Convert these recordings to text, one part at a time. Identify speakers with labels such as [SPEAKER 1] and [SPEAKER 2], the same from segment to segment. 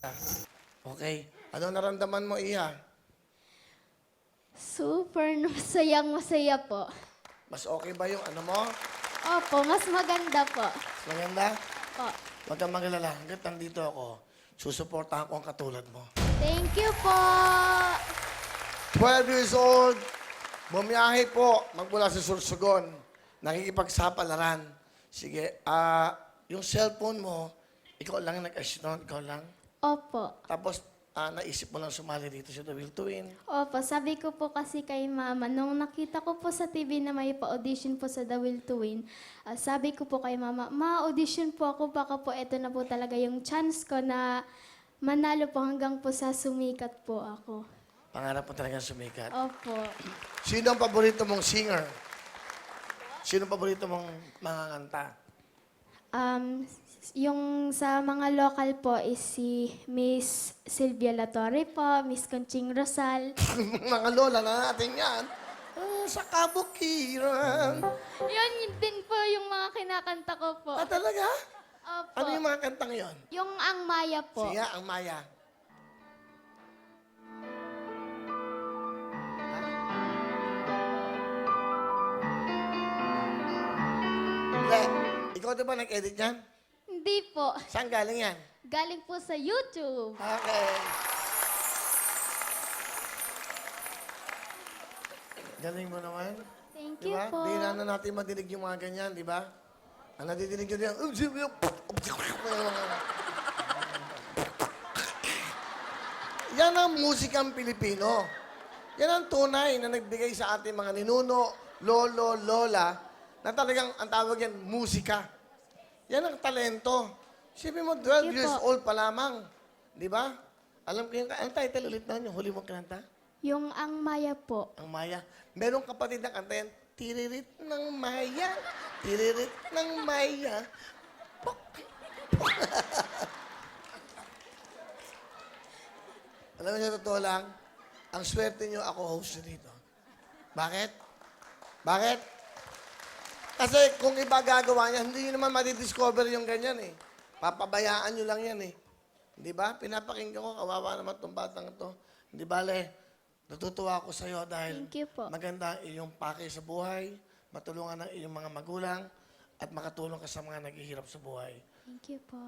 [SPEAKER 1] Okay. Ano naramdaman mo, Iha?
[SPEAKER 2] Super masayang-masaya po.
[SPEAKER 1] Mas okay ba yung ano mo?
[SPEAKER 2] Opo, mas maganda po.
[SPEAKER 1] Mas maganda?
[SPEAKER 2] Po.
[SPEAKER 1] Huwag kang magalala. Hanggat nandito ako, susuportahan ko ang katulad mo.
[SPEAKER 2] Thank you po.
[SPEAKER 1] 12 years old, bumiyahe po, magmula sa Sursogon, nakikipagsapalaran. Sige, yung cellphone mo, ikaw lang nag-assist nun, ikaw lang.
[SPEAKER 2] Opo.
[SPEAKER 1] Tapos, naisip mo lang sumali dito sa The Will to Win.
[SPEAKER 2] Opo, sabi ko po kasi kay Mama, nung nakita ko po sa TV na may pa-audition po sa The Will to Win, sabi ko po kay Mama, ma-audition po ako, baka po ito na po talaga yung chance ko na manalo po hanggang po sa sumikat po ako.
[SPEAKER 1] Pangarap mo talaga sumikat.
[SPEAKER 2] Opo.
[SPEAKER 1] Sino ang paborito mong singer? Sino ang paborito mong mga kanta?
[SPEAKER 2] Yung sa mga local po is si Miss Silvia Latorre po, Miss Conching Rosal.
[SPEAKER 1] Mga lola na natin yan. Sa kabukiran.
[SPEAKER 2] Yun din po yung mga kinakanta ko po.
[SPEAKER 1] Talaga?
[SPEAKER 2] Opo.
[SPEAKER 1] Ano yung mga kantang yon?
[SPEAKER 2] Yung Ang Maya po.
[SPEAKER 1] Siya, ang Maya. Le, ikaw di ba nag-edit yan?
[SPEAKER 2] Hindi po.
[SPEAKER 1] Saan galing yan?
[SPEAKER 2] Galing po sa YouTube.
[SPEAKER 1] Okay. Galing mo naman.
[SPEAKER 2] Thank you
[SPEAKER 1] Diba?
[SPEAKER 2] po.
[SPEAKER 1] Di na natin madinig yung mga ganyan, di ba? Ang nadidinig yun yan. Yan ang musikang Pilipino. Yan ang tunay na nagbigay sa ating mga ninuno, lolo, lola, na talagang ang tawag yan, musika. Yan ang talento. Sipin mo, 12
[SPEAKER 2] Sige
[SPEAKER 1] years
[SPEAKER 2] po.
[SPEAKER 1] old pa lamang. Di ba? Alam ko yung, ang title ulit na yung huli mong kinanta?
[SPEAKER 2] Yung Ang Maya po.
[SPEAKER 1] Ang Maya. Merong kapatid na kanta yan, tiririt ng Maya, tiririt ng Maya. Pok, pok. Alam mo sa totoo lang, ang swerte nyo ako host nyo dito. Bakit? Bakit? Kasi kung iba gagawa niya, hindi nyo naman madidiscover yung ganyan eh. Papabayaan nyo lang yan eh. Di ba? Pinapakinggan ko, kawawa naman itong batang ito. Hindi bale, natutuwa ako sa iyo dahil
[SPEAKER 2] Thank you po.
[SPEAKER 1] maganda ang iyong pake sa buhay, matulungan ng iyong mga magulang, at makatulong ka sa mga naghihirap sa buhay.
[SPEAKER 2] Thank you po.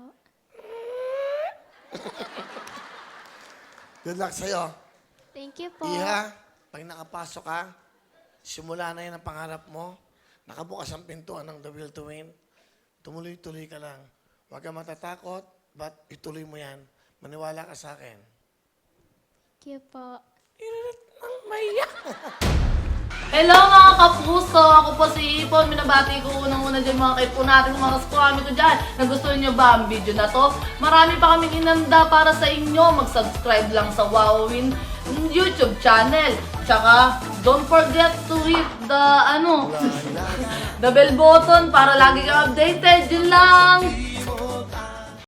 [SPEAKER 1] Good luck sa iyo.
[SPEAKER 2] Thank you po.
[SPEAKER 1] Iha, pag nakapasok ka, simula na yan ang pangarap mo, nakabukas ang pintuan ng The Will to Win, tumuloy-tuloy ka lang. Huwag ka matatakot, but ituloy mo yan. Maniwala ka sa akin.
[SPEAKER 2] Thank you po.
[SPEAKER 1] Iririt ng Maya.
[SPEAKER 3] Hello mga kapuso! Ako po si Ipon. Minabati ko unang-una dyan mga kaipo natin, mga kaskwami ko dyan. Nagustuhan nyo ba ang video na to? Marami pa kaming inanda para sa inyo. Mag-subscribe lang sa Wowin YouTube channel. Tsaka, don't forget to hit the, the bell button para lagi kang updated. Yun lang!